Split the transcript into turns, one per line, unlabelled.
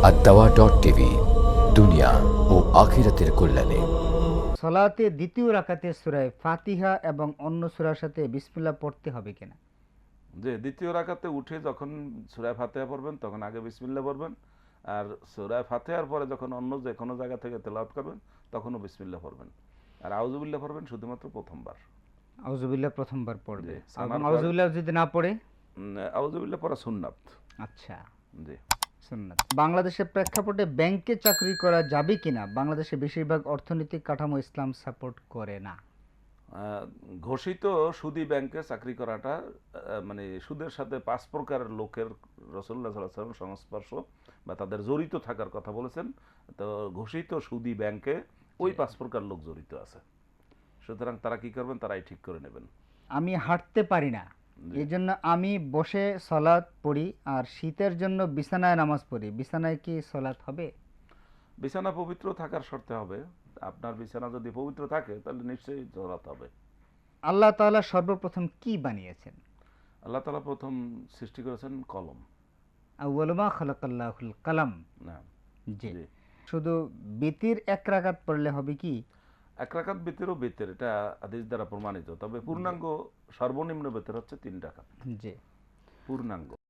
ad-dawa.tv দুনিয়া ও আখিরাতের কল্যাণে।
সলাতে দ্বিতীয় রাকাতে সূরা ফাতিহা এবং অন্য সূরার সাথে বিসমিল্লাহ পড়তে হবে কিনা?
যে দ্বিতীয় রাকাতে উঠে যখন সূরা ফাতিহা পড়বেন তখন আগে বিসমিল্লাহ পড়বেন, আর সূরা ফাতিহার পরে যখন অন্য যে কোনো জায়গা থেকে তেলাওয়াত করবেন তখনও বিসমিল্লাহ পড়বেন, আর আউযুবিল্লাহ পড়বেন শুধুমাত্র প্রথমবার।
আউযুবিল্লাহ প্রথমবার পড়বে
জি,
এবং
সানার পর
আউযুবিল্লাহ যদি না পড়ে?
আউযুবিল্লাহ পড়া সুন্নাত।
আচ্ছা,
জি।
সুন্নাত। বাংলাদেশের প্রেক্ষাপটে ব্যাংকে চাকরি করা যাবে কিনা? বাংলাদেশে বেশিরভাগ অর্থনৈতিক কাঠামো ইসলাম সাপোর্ট করে না।
ঘোষিত সুদী ব্যাংকে চাকরি করাটা মানে সুদের সাথে 5 প্রকারের লোকের রাসূলুল্লাহ সাল্লাল্লাহু আলাইহি ওয়াসাল্লাম সংস্পর্শ বা তাদের জড়িত থাকার কথা বলেছেন। তো ঘোষিত সুদী ব্যাংকে ওই 5 প্রকার লোক জড়িত আছে, সুতরাং তারা কি করবেন তারাই ঠিক করে নেবেন।
আমি হাঁটতে পারি না,
জি।
এই জন্য আমি বসে সলাৎ পড়ি, আর শীতের জন্য বিছানায় নামাজ পড়ি, বিছানায় কি সলাৎ হবে?
বিছানা পবিত্র থাকার শর্তে হবে। আপনার বিছানা যদি পবিত্র থাকে তাহলে নিশ্চয়ই জড়াতে হবে।
আল্লাহ তাআলা সর্বপ্রথম কি বানিয়েছেন?
আল্লাহ তাআলা প্রথম সৃষ্টি করেছেন কলম।
আউয়ালু মা খালাকাল্লাহুল কালাম।
না।
জি।
জি।
শুধু বিতির এক রাকাত পড়লে হবে কি?
এক রাকাত বেতেরও বেতের, এটা হাদিস দ্বারা প্রমাণিত, তবে পূর্ণাঙ্গ সর্বনিম্ন বেতের হচ্ছে 3 রাকাত
জি।
পূর্ণাঙ্গ।